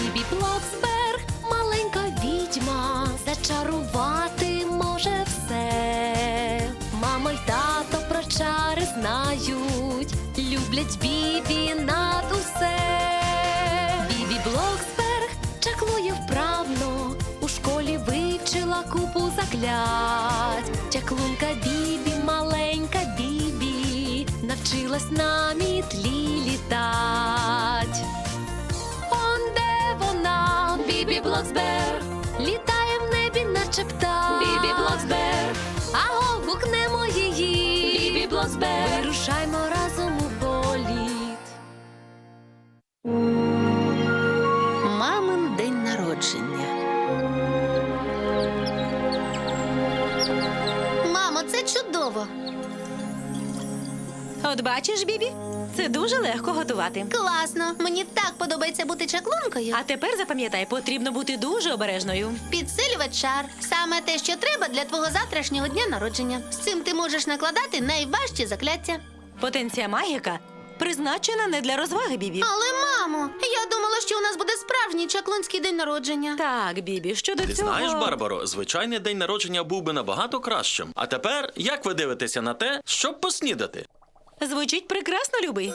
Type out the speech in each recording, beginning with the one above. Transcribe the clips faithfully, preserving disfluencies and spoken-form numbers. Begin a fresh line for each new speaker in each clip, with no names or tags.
Бібі Блоксберг, маленька відьма, зачарувати може все. Мама й тато про чари знають, люблять Бібі над усе. Бібі Блоксберг чаклує вправно, у школі вивчила купу заклять. Чаклунка Бібі, маленька Бібі, навчилась на мітлі літать. Он де вона, Бібі Блоксберг, літає в небі, наче птах. Бібі Блоксберг, аго, гукнемо її. Бібі Блоксберг, вирушаймо разом у політ.
Мамин день народження.
Мамо, це чудово!
От бачиш, Бібі, це дуже легко готувати.
Класно! Мені так подобається бути чаклункою.
А тепер запам'ятай, потрібно бути дуже обережною.
Підсилювач чар – саме те, що треба для твого завтрашнього дня народження. З цим ти можеш накладати найважчі закляття.
Потенція магіка призначена не для розваги, Бібі.
Але, мамо, я думала, що у нас буде справжній чаклунський день народження.
Так, Бібі, щодо
Ти
цього...
знаєш, Барбаро, звичайний день народження був би набагато кращим. А тепер, як ви дивитеся на те, щоб поснідати?
Звучить прекрасно, любий.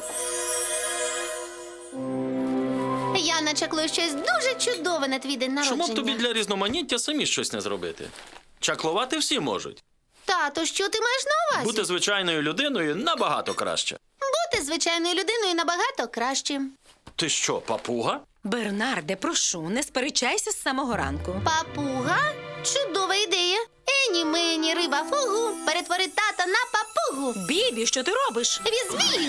Я начаклую щось дуже чудове на твій день народження.
Чому б тобі для різноманіття самі щось не зробити? Чаклувати всі можуть.
Тато, що ти маєш на увазі?
Бути звичайною людиною набагато краще.
Бути звичайною людиною набагато краще.
Ти що, папуга?
Бернарде, прошу, не сперечайся з самого ранку.
Папуга? Чудова ідея. Ені мені риба фугу, перетвори тата на папугу.
Бібі, що ти робиш?
Віз-віз!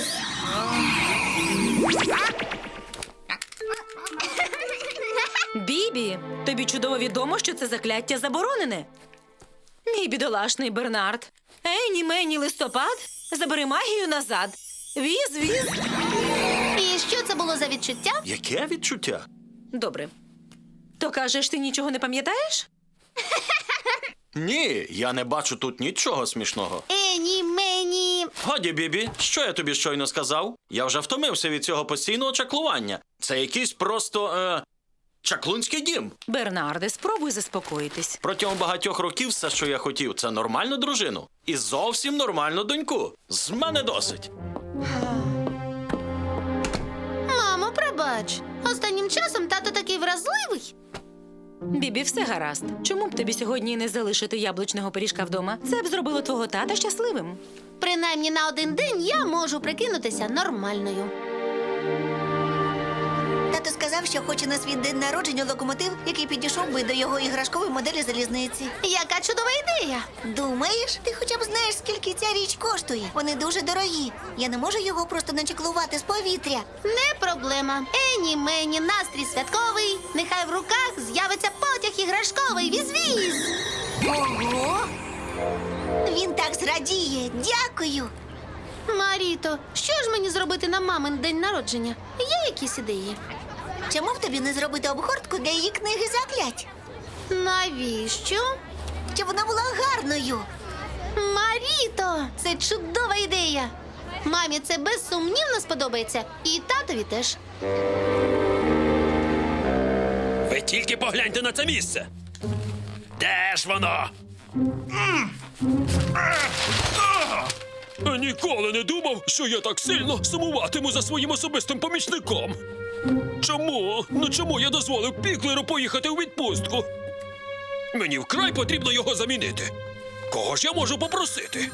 Бібі, тобі чудово відомо, що це закляття заборонене. Мій бідолашний Бернард. Ені мені листопад, забери магію назад. Віз, віз.
І що це було за відчуття?
Яке відчуття?
Добре. То кажеш, ти нічого не пам'ятаєш?
Ні, я не бачу тут нічого смішного.
Ені мені.
Годі, Бібі, що я тобі щойно сказав? Я вже втомився від цього постійного чаклування. Це якийсь просто, е, чаклунський дім.
Бернарде, спробуй заспокоїтись.
Протягом багатьох років все, що я хотів, це нормальну дружину. І зовсім нормальну доньку. З мене досить.
Мамо, пробач. Останнім часом тато такий вразливий.
Бібі, все гаразд. Чому б тобі сьогодні не залишити яблучного пиріжка вдома? Це б зробило твого тата щасливим.
Принаймні на один день я можу прикинутися нормальною.
Тато сказав, що хоче на свій день народження локомотив, який підійшов би до його іграшкової моделі залізниці.
Яка чудова ідея!
Думаєш, ти хоча б знаєш, скільки ця річ коштує? Вони дуже дорогі. Я не можу його просто начеклувати з повітря.
Не проблема. Ені мені, настрій святковий. Нехай в руках з'явиться потяг іграшковий. Віз-віз!
Ого! Він так зрадіє. Дякую.
Маріто, що ж мені зробити на мамин день народження? Є якісь ідеї?
Чому б тобі не зробити обгортку для її книги заклять?
Навіщо?
Щоб вона була гарною.
Маріто, це чудова ідея. Мамі це безсумнівно сподобається. І татові теж.
Ви тільки погляньте на це місце. Де ж воно? Ніколи не думав, що я так сильно сумуватиму за своїм особистим помічником. Чому? Ну чому я дозволив Піклеру поїхати у відпустку? Мені вкрай потрібно його замінити. Кого ж я можу попросити?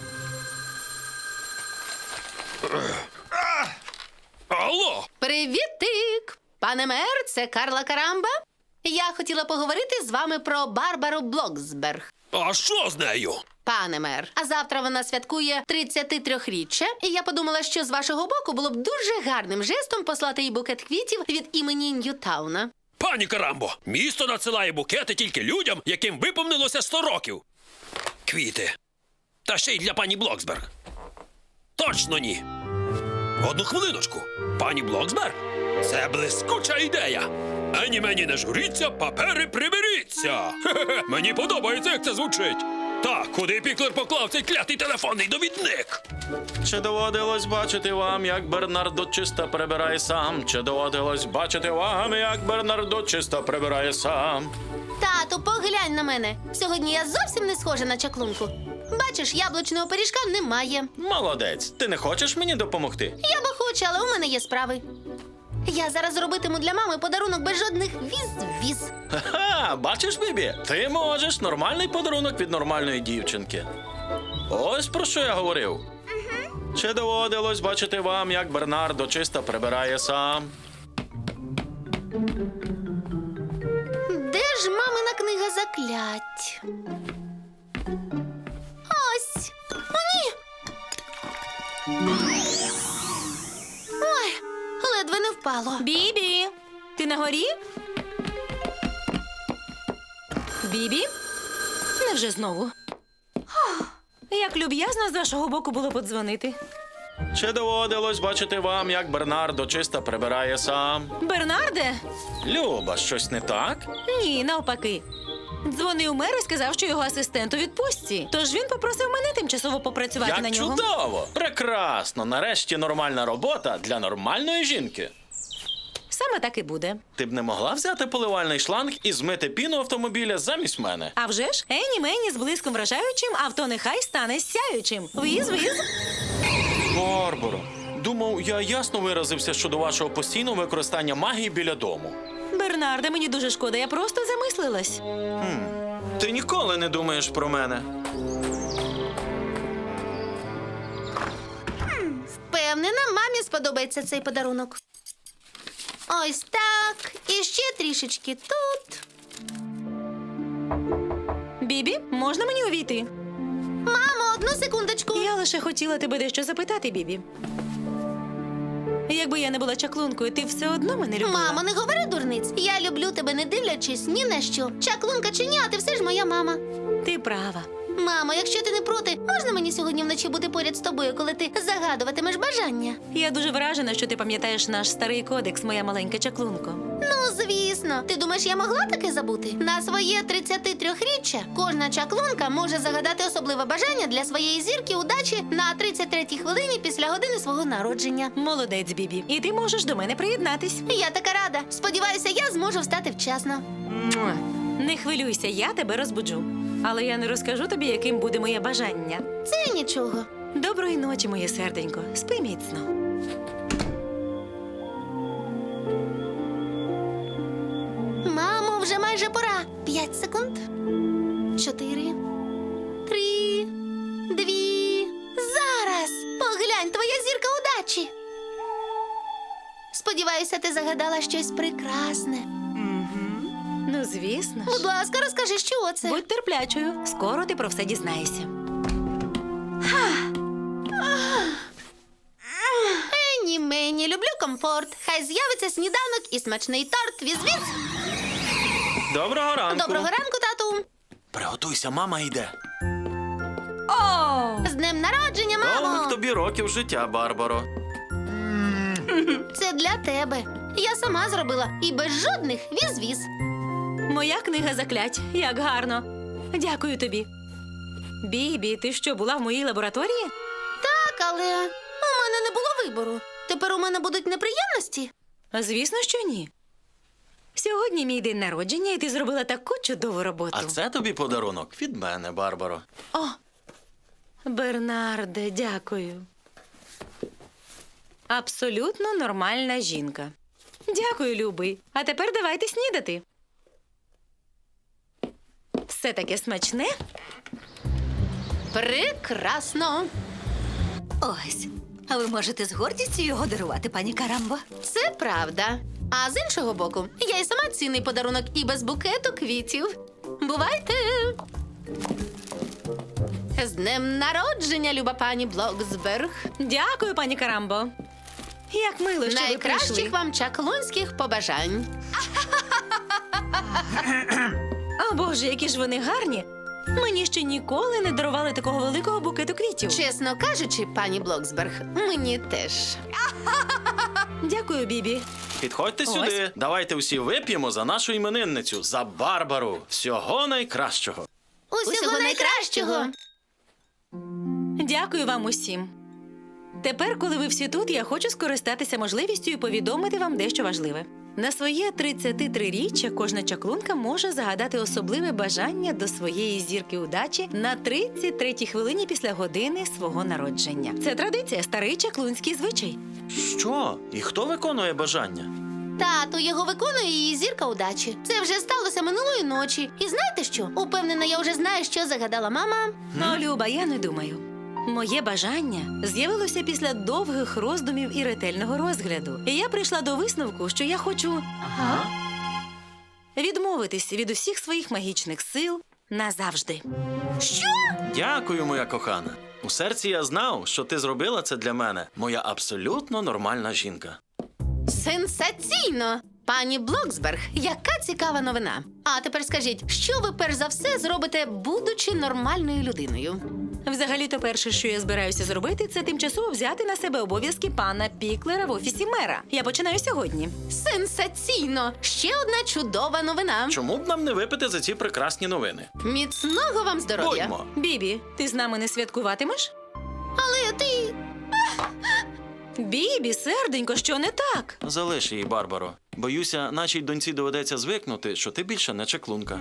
Алло!
Привітик! Пане мер, це Карла Карамба. Я хотіла поговорити з вами про Барбару Блоксберг.
А що з нею?
Пане мер, а завтра вона святкує тридцятитриріччя, і я подумала, що з вашого боку було б дуже гарним жестом послати їй букет квітів від імені Ньютауна.
Пані Карамбо, місто надсилає букети тільки людям, яким виповнилося сто років. Квіти. Та ще й для пані Блоксберг. Точно ні. Одну хвилиночку. Пані Блоксберг? Це блискуча ідея. Ені мені не журіться, папери приберіться. Хе-хе-хе. Мені подобається, як це звучить. Так, куди Піклер поклав цей клятий телефонний довідник?
Чи доводилось бачити вам, як Бернардо чисто прибирає сам? Чи доводилось бачити вам, як Бернардо чисто прибирає сам?
Тату, поглянь на мене. Сьогодні я зовсім не схожа на чаклунку. Бачиш, яблучного пиріжка немає.
Молодець, ти не хочеш мені допомогти?
Я би хочу, але у мене є справи. Я зараз робитиму для мами подарунок без жодних віз-віз.
Ха-ха, бачиш, Бібі? Ти можеш нормальний подарунок від нормальної дівчинки. Ось про що я говорив. Чи доводилось бачити вам, як Бернардо чисто прибирає сам?
Де ж мамина книга заклять? Ось. О, ні. Ой, ледве не впало.
Бібі, ти на горі? Бібі? Невже знову? Ох, як люб'язно з вашого боку було подзвонити.
Чи доводилось бачити вам, як Бернардо чисто прибирає сам?
Бернарде?
Люба, щось не так?
Ні, навпаки. Дзвонив мер і сказав, що його асистент у відпустці. Тож він попросив мене тимчасово попрацювати
Як
на нього.
чудово! Прекрасно! Нарешті нормальна робота для нормальної жінки.
Саме так і буде.
Ти б не могла взяти поливальний шланг і змити піну автомобіля замість мене?
А вже ж, ені мені з блиском вражаючим, авто нехай стане сяючим. Віз, віз.
Барбаро, думав, я ясно виразився щодо вашого постійного використання магії біля дому.
Бернарде, мені дуже шкода, я просто замислилась.
Ти ніколи не думаєш про мене.
Впевнена, мамі сподобається цей подарунок. Ось так. І ще трішечки тут.
Бібі, можна мені увійти?
Мамо, одну секундочку.
Я лише хотіла тебе дещо запитати, Бібі. Якби я не була чаклункою, ти все одно мене любила.
Мамо, не говори дурниць. Я люблю тебе, не дивлячись ні на що. Чаклунка чи ні, а ти все ж моя мама.
Ти права.
Мамо, якщо ти не проти, можна мені сьогодні вночі бути поряд з тобою, коли ти загадуватимеш бажання?
Я дуже вражена, що ти пам'ятаєш наш старий кодекс, моя маленька чаклунко.
Ну, звісно. Ти думаєш, я могла таке забути? На своє тридцятитриріччя кожна чаклунка може загадати особливе бажання для своєї зірки удачі на тридцять третій хвилині після години свого народження.
Молодець, Бібі. І ти можеш до мене приєднатись.
Я така рада. Сподіваюся, я зможу встати вчасно.
Муа. Не хвилюйся, я тебе розбуджу. Але я не розкажу тобі, яким буде моє бажання.
Це нічого.
Доброї ночі, моє серденько. Спи міцно.
Мамо, вже майже пора. П'ять секунд. Чотири. Три. Дві. Зараз. Поглянь, твоя зірка удачі. Сподіваюся, ти загадала щось прекрасне.
Ну, звісно
Будь
ж.
ласка, розкажи, що це.
Будь терплячою. Скоро ти про все дізнаєшся.
Ені мені, люблю комфорт. Хай з'явиться сніданок і смачний торт. Віз-віз.
Доброго ранку.
Доброго ранку, тату.
Приготуйся, мама йде.
О!
З днем народження,
Довгих
мамо.
тобі років життя, Барбаро.
Це для тебе. Я сама зробила і без жодних віз-віз.
Моя книга заклять. Як гарно. Дякую тобі. Бібі, ти що, була в моїй лабораторії?
Так, але у мене не було вибору. Тепер у мене будуть неприємності.
Звісно, що ні. Сьогодні мій день народження, і ти зробила таку чудову роботу.
А це тобі подарунок від мене, Барбаро.
О, Бернарде, дякую. Абсолютно нормальна жінка. Дякую, любий. А тепер давайте снідати. Все таке смачне.
Прекрасно.
Ось. А ви можете з гордістю його дарувати, пані Карамбо?
Це правда. А з іншого боку, я й сама цінний подарунок і без букету квітів. Бувайте! З днем народження, люба пані Блоксберг.
Дякую, пані Карамбо. Як мило, що ви
Найкращих
прийшли.
вам чаклунських побажань.
О, Боже, які ж вони гарні. Мені ще ніколи не дарували такого великого букету квітів.
Чесно кажучи, пані Блоксберг, мені теж.
Дякую, Бібі.
Підходьте
Ось.
сюди. Давайте всі вип'ємо за нашу іменинницю, за Барбару. Всього найкращого.
Усього найкращого!
Дякую вам усім. Тепер, коли ви всі тут, я хочу скористатися можливістю і повідомити вам дещо важливе. На своє тридцятитриріччя кожна чаклунка може загадати особливе бажання до своєї зірки удачі на тридцять третій хвилині після години свого народження. Це традиція, старий чаклунський звичай.
Що? І хто виконує бажання?
Тату, його виконує її зірка удачі. Це вже сталося минулої ночі. І знаєте що? Упевнена, я вже знаю, що загадала мама.
Ну, Люба, я не думаю. Моє бажання з'явилося після довгих роздумів і ретельного розгляду. І я прийшла до висновку, що я хочу
Ага.
відмовитись від усіх своїх магічних сил назавжди.
Дякую, моя кохана. У серці я знав, що ти зробила це для мене. Моя абсолютно нормальна жінка.
Сенсаційно! Пані Блоксберг, яка цікава новина. А тепер скажіть, що ви перш за все зробите, будучи нормальною людиною?
Взагалі-то перше, що я збираюся зробити, це тимчасово взяти на себе обов'язки пана Піклера в офісі мера. Я починаю сьогодні.
Сенсаційно! Ще одна чудова новина.
Чому б нам не випити за ці прекрасні новини?
Міцного вам здоров'я!
Будьмо.
Бібі, ти з нами не святкуватимеш?
Але ти...
Бібі, серденько, що не так?
Залиш її, Барбаро. Боюся, нашій доньці доведеться звикнути, що ти більше не чаклунка.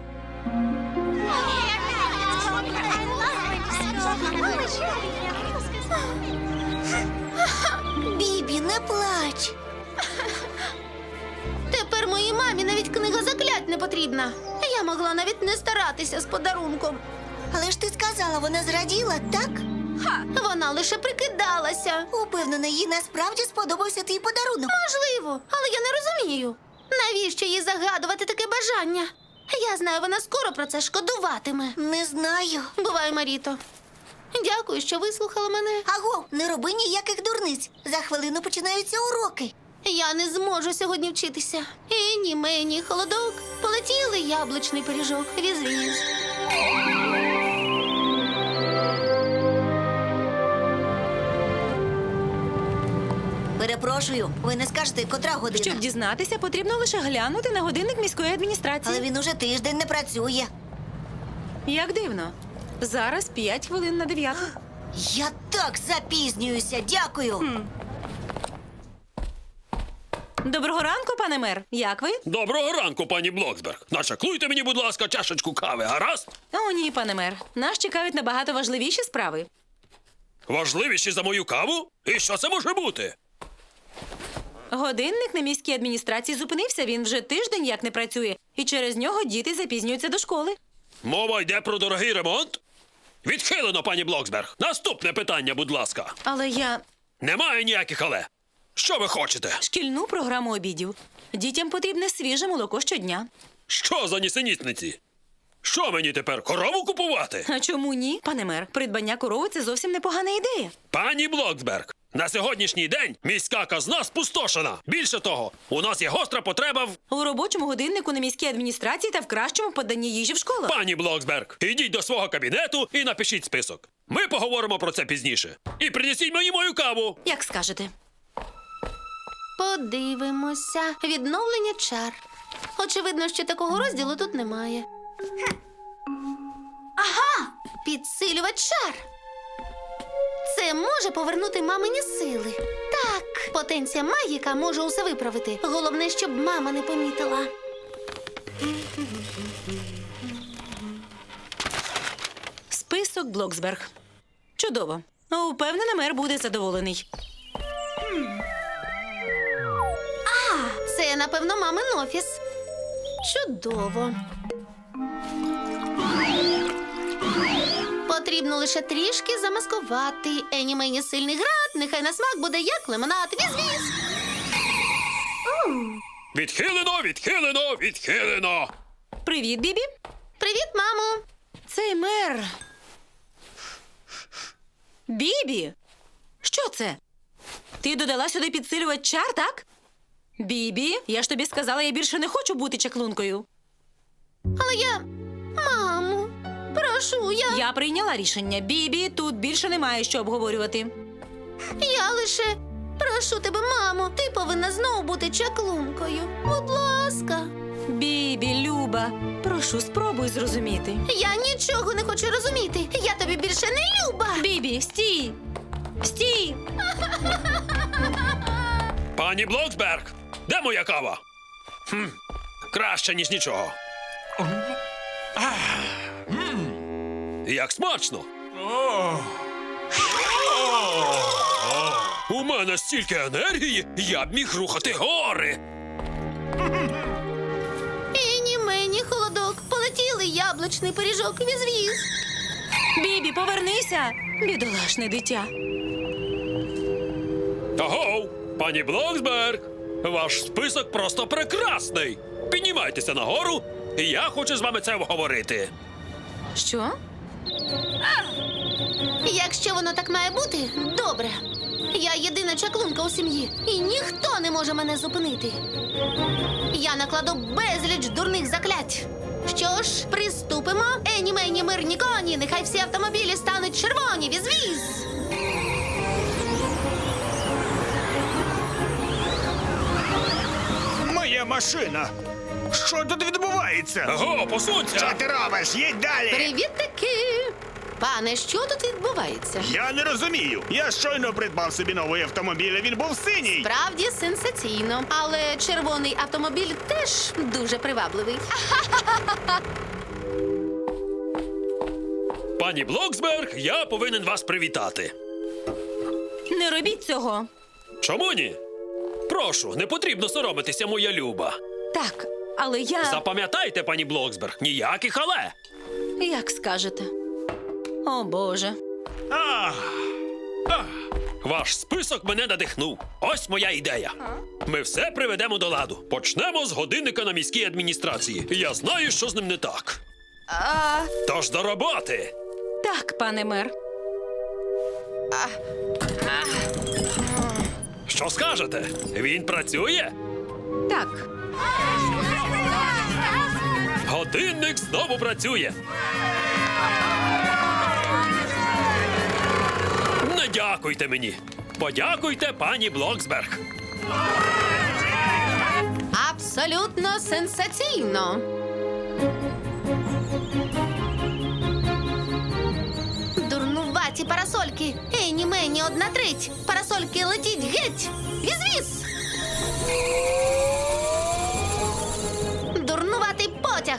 Бібі, не плач.
Тепер моїй мамі навіть книга заклять не потрібна. Я могла навіть не старатися з подарунком.
Але ж ти сказала, вона зраділа, так?
Вона лише прикидалася.
Упевнена, їй насправді сподобався твій подарунок.
Можливо, але я не розумію. Навіщо їй загадувати таке бажання? Я знаю, вона скоро про це шкодуватиме.
Не знаю.
Бувай, Маріто. Дякую, що вислухала мене.
Аго, не роби ніяких дурниць. За хвилину починаються уроки.
Я не зможу сьогодні вчитися. Ені, мені, холодок. Полетіли яблучний пиріжок. Віз-віз.
Перепрошую, ви не скажете, котра година.
Щоб дізнатися, потрібно лише глянути на годинник міської адміністрації.
Але він уже тиждень не працює.
Як дивно. Зараз п'ять хвилин на дев'яту.
Я так запізнююся, дякую.
Доброго ранку, пане мер. Як ви?
Доброго ранку, пані Блоксберг. Начаклуйте мені, будь ласка, чашечку кави, гаразд?
О, ні, пане мер. Нас чекають набагато важливіші справи.
Важливіші за мою каву? І що це може бути?
Годинник на міській адміністрації зупинився. Він вже тиждень як не працює. І через нього діти запізнюються до школи.
Мова йде про дорогий ремонт? Відхилено, пані Блоксберг. Наступне питання, будь ласка.
Але я...
Немає ніяких але. Що ви хочете?
Шкільну програму обідів. Дітям потрібне свіже молоко щодня.
Що за нісенітниці? Що мені тепер, корову купувати?
А чому ні? Пане мер, придбання корови – це зовсім непогана ідея.
Пані Блоксберг, на сьогоднішній день міська казна спустошена. Більше того, у нас є гостра потреба в...
У робочому годиннику на міській адміністрації та в кращому поданні їжі в школах.
Пані Блоксберг, ідіть до свого кабінету і напишіть список. Ми поговоримо про це пізніше. І принесіть мені мою каву.
Як скажете.
Подивимося. Відновлення чар. Очевидно, що такого розділу тут немає. Ага! Підсилювач чар. Це може повернути мамині сили. Так, потенція магіка може усе виправити. Головне, щоб мама не помітила.
Список Блоксберг. Чудово. Упевнена, мер буде задоволений.
Це, напевно, мамин офіс. Чудово. Потрібно лише трішки замаскувати. Ені мені сильний град, нехай на смак буде як лимонад. Віз-віз.
Відхилено, відхилено, відхилено.
Привіт, Бібі.
Привіт, мамо.
Цей мер. Бібі! Що це? Ти додала сюди підсилювач чар, так? Бібі, я ж тобі сказала, я більше не хочу бути чаклункою.
Але я... Мамо, прошу, я...
Я прийняла рішення. Бібі, тут більше немає що обговорювати.
Я лише... Прошу тебе, мамо, ти повинна знову бути чаклункою. Будь ласка.
Бібі, Люба, прошу, спробуй зрозуміти.
Я нічого не хочу розуміти. Я тобі більше не люба.
Бібі, стій! Стій!
Пані Блоксберг, де моя кава? Хм, краще, ніж нічого. Як смачно! У мене стільки енергії, я б міг рухати гори.
Ені мені холодок. Полетіли яблучний пиріжок. Віз-віз.
Бібі, повернися! Бідолашне дитя.
Агоу, пані Блоксберг, ваш список просто прекрасний. Піднімайтеся нагору, і я хочу з вами це обговорити.
Що?
Якщо воно так має бути, добре. Я єдина чаклунка у сім'ї, і ніхто не може мене зупинити. Я накладу безліч дурних заклять. Що ж, приступимо. Ені мені мирні коні, нехай всі автомобілі стануть червоні. Віз-віз.
Моя машина! Що тут відбувається?
Аго,
Що
посунься!
ти робиш? Їдь далі!
Привіт-таки! Пане, що тут відбувається?
Я не розумію. Я щойно придбав собі новий автомобіль, а він був синій.
Справді сенсаційно, але червоний автомобіль теж дуже привабливий.
Пані Блоксберг, я повинен вас привітати.
Не робіть цього.
Чому ні? Прошу, не потрібно соромитися, моя люба.
Так, але я...
Запам'ятайте, пані Блоксберг, ніяких але.
Як скажете. О, Боже.
Ваш список мене надихнув. Ось моя ідея. Ми все приведемо до ладу. Почнемо з годинника на міській адміністрації. Я знаю, що з ним не так.
А...
Тож до роботи.
Так, пане мер.
Що скажете? Він працює?
Так.
Годинник знову працює. Не дякуйте мені. Подякуйте пані Блоксберг.
Абсолютно сенсаційно. Дурнуваті парасольки. Ені мені одна треть. Парасольки летіть геть. Віз-віз. Дурнуватий потяг.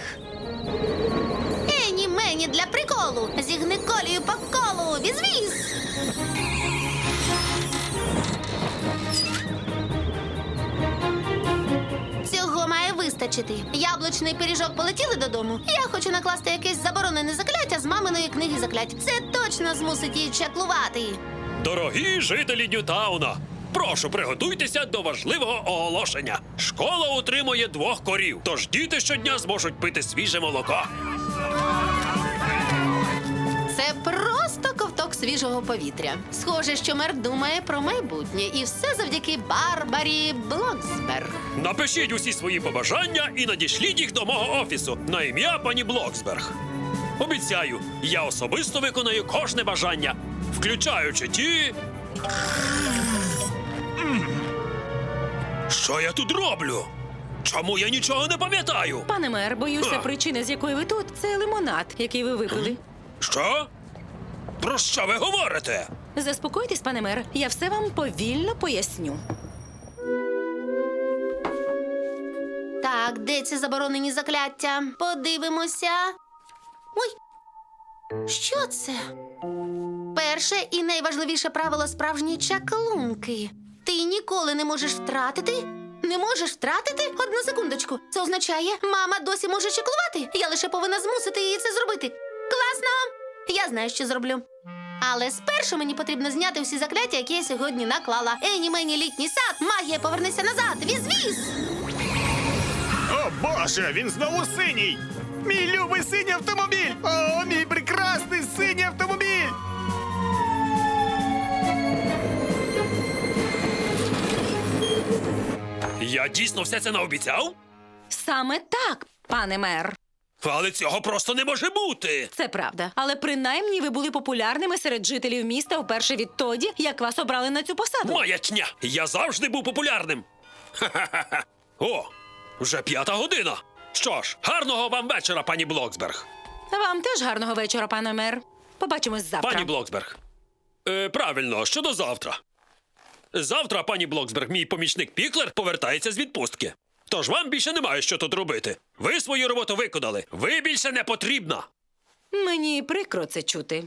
Ені мені для приколу. Зігни колію по колу. Віз-віз. Цього має вистачити. Яблучний пиріжок полетіли додому. Я хочу накласти якесь заборонене закляття з маминої книги заклять. Це точно змусить її чаклувати.
Дорогі жителі Ньютауна, прошу, приготуйтеся до важливого оголошення. Школа утримує двох корів, тож діти щодня зможуть пити свіже молоко.
Це просто ковток свіжого повітря. Схоже, що мер думає про майбутнє, і все завдяки Барбарі Блоксберг.
Напишіть усі свої побажання і надішліть їх до мого офісу на ім'я пані Блоксберг. Обіцяю, я особисто виконаю кожне бажання, включаючи ті. Що я тут роблю? Чому я нічого не пам'ятаю?
Пане мер, боюся,
А.
причина, з якої ви тут, це лимонад, який ви випили.
Що? Про що ви говорите?
Заспокойтесь, пане мер, я все вам повільно поясню.
Так, де ці заборонені закляття? Подивимося. Ой, що це? Перше і найважливіше правило справжньої чаклунки. Ти ніколи не можеш втратити. Не можеш втратити? Одну секундочку. Це означає, мама досі може чаклувати. Я лише повинна змусити її це зробити. Класно! Я знаю, що зроблю. Але спершу мені потрібно зняти всі закляття, які я сьогодні наклала. Ені мені літній сад, магія, повернися назад. Віз-віз!
О, Боже, він знову синій! Мій любий синій автомобіль! О, мій прекрасний синій автомобіль!
Я дійсно все це наобіцяв?
Саме так, пане мер.
Але цього просто не може бути.
Це правда. Але принаймні ви були популярними серед жителів міста вперше відтоді, як вас обрали на цю посаду.
Маячня! Я завжди був популярним. Ха-ха-ха. О, вже п'ята година. Що ж, гарного вам вечора, пані Блоксберг.
Вам теж гарного вечора, пане мер. Побачимось завтра.
Пані Блоксберг. Е, правильно, щодо завтра. Завтра, пані Блоксберг, мій помічник Піклер повертається з відпустки. Тож вам більше немає що тут робити. Ви свою роботу виконали. Ви більше не потрібна.
Мені прикро це чути.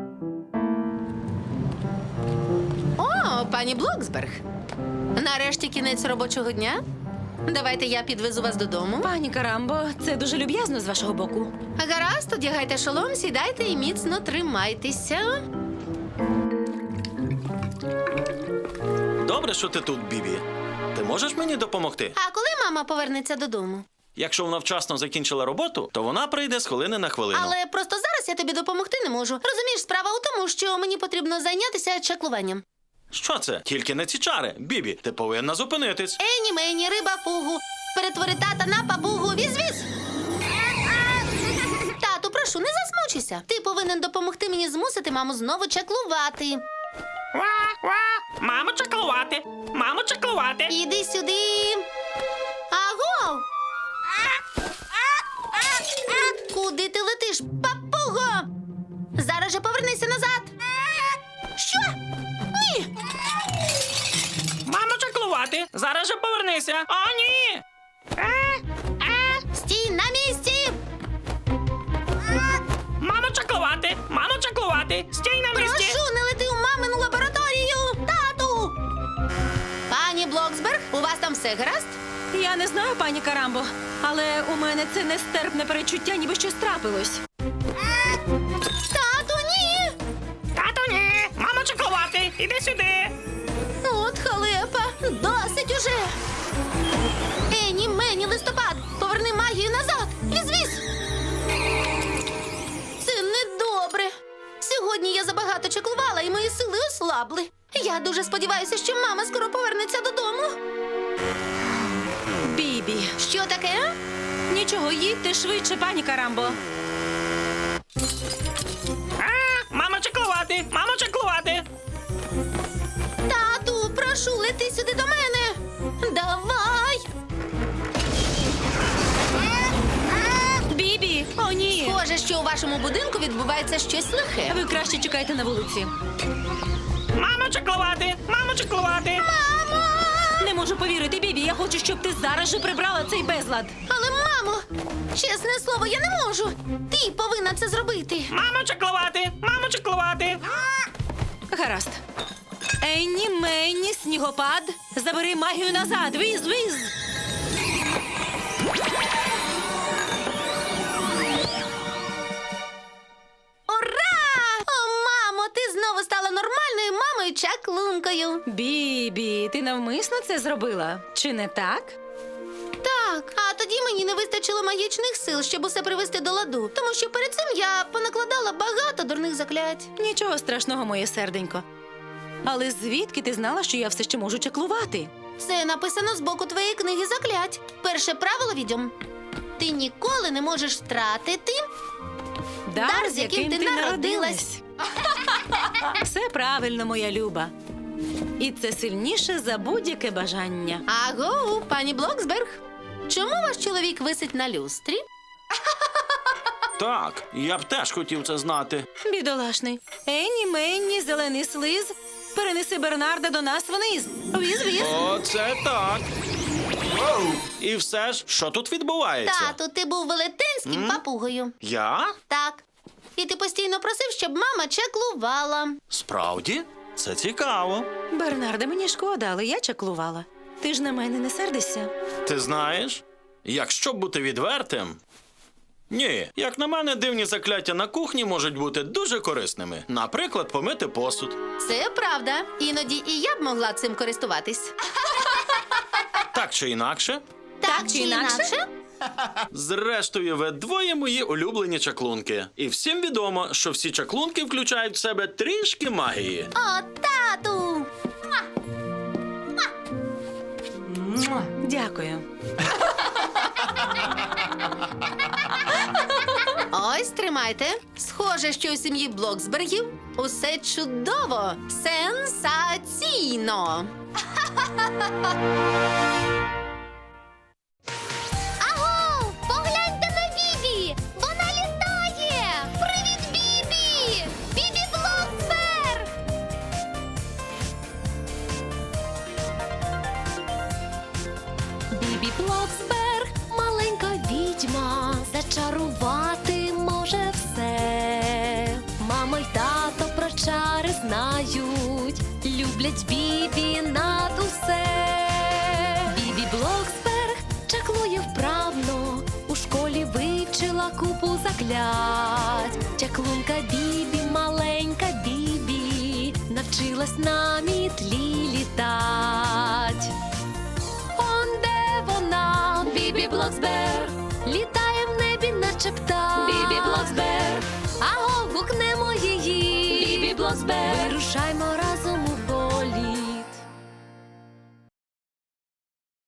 О, пані Блоксберг. Нарешті кінець робочого дня. Давайте я підвезу вас додому.
Пані Карамбо, це дуже люб'язно з вашого боку.
Гаразд, одягайте шолом, сідайте і міцно тримайтеся.
Добре, що ти тут, Бібі. Ти можеш мені допомогти?
А коли мама повернеться додому?
Якщо вона вчасно закінчила роботу, то вона прийде з хвилини на хвилину.
Але просто зараз я тобі допомогти не можу. Розумієш, справа у тому, що мені потрібно зайнятися чаклуванням.
Що це? Тільки не ці чари. Бібі, ти повинна зупинитись.
Ені мені, риба фугу. Перетвори тата на папугу. Віз-віз. Тату, прошу, не засмучуйся. Ти повинен допомогти мені змусити маму знову чаклувати.
Ва-ва! Мамо чаклувати! Мамо чаклувати!
Іди сюди. Аго! Куди ти летиш, папуго? Зараз же повернися назад. Що? Ні.
Мамо чаклувати! Зараз же повернися! О, ні!
Стій на місці.
Мамо чаклувати! Мамо чаклувати! Стій на місці!
Прошу, не лети у мамину лабораторію. Тату! Пані Блоксберг, у вас там все гаразд?
Я не знаю, пані Карамбо, але у мене це нестерпне перечуття, ніби щось трапилось.
Тату, ні!
Тату, ні! Мамо чаклувати! Іди сюди!
От халепа, досить уже. Ені, мені, листопад, поверни магію назад. Віз-віз. Це недобре. Сьогодні я забагато чаклувала, і мої сили ослабли. Я дуже сподіваюся, що мама скоро повернеться додому.
Бібі.
Що таке?
Нічого, їдьте швидше, пані Карамбо.
А, мамо чаклувати! Мамо чаклувати!
Тату, прошу, лети сюди до мене. Давай.
Бібі, о ні.
Схоже, що у вашому будинку відбувається щось лихе.
Ви краще чекайте на вулиці.
Мамо чаклувати! Мамо чаклувати!
Не можу повірити, Бібі, я хочу, щоб ти зараз же прибрала цей безлад.
Але, мамо, чесне слово, я не можу. Ти повинна це зробити.
Мамо чаклувати! Мамо чаклувати!
Гаразд. Енні, Менні, снігопад, забери магію назад. Віз, віз.
Ура! О, мамо, ти знову стала нормальною мамою чаклункою.
Бібі, ти навмисно це зробила? Чи не так?
Так, а тоді мені не вистачило магічних сил, щоб усе привести до ладу. Тому що перед цим я понакладала багато дурних заклять.
Нічого страшного, моє серденько. Але звідки ти знала, що я все ще можу чаклувати?
Це написано з боку твоєї книги заклять. Перше правило відьом. Ти ніколи не можеш втратити.
Дар, з яким, ти народилась. Все правильно, моя люба. І це сильніше за будь-яке бажання.
Аго, пані Блоксберг. Чому ваш чоловік висить на люстрі?
Так, я б теж хотів це знати.
Бідолашний. Енні, Менні, зелений слиз. Перенеси Бернарда до нас вниз. Віз-віз.
Оце так. І все ж, що тут відбувається?
Тату, ти був велетенським папугою.
Я?
Так. І ти постійно просив, щоб мама чаклувала.
Справді? Це цікаво.
Бернарде, мені шкода, але я чаклувала. Ти ж на мене не сердишся.
Ти знаєш, якщо бути відвертим. Ні, як на мене, дивні закляття на кухні можуть бути дуже корисними. Наприклад, помити посуд.
Це правда. Іноді і я б могла цим користуватись.
Так чи інакше.
Так чи інакше?
Зрештою, ви двоє мої улюблені чаклунки. І всім відомо, що всі чаклунки включають в себе трішки магії.
О, тату!
Дякую.
Ось, тримайте. Схоже, що у сім'ї Блоксбергів усе чудово. Сенсаційно. Аго!
Блоксберг, маленька відьма, зачарувати може все. Мама й тато про чари знають, люблять Бібі над усе. Бібі Блоксберг чаклує вправно, у школі вивчила купу заклять. Чаклунка Бібі, маленька Бібі, навчилась на мітлі літать. Он де вона, Бібі Блоксберг, літає в небі, наче птах. Бібі Блоксберг, аго, гукнемо її. Бібі Блоксберг, вирушаймо разом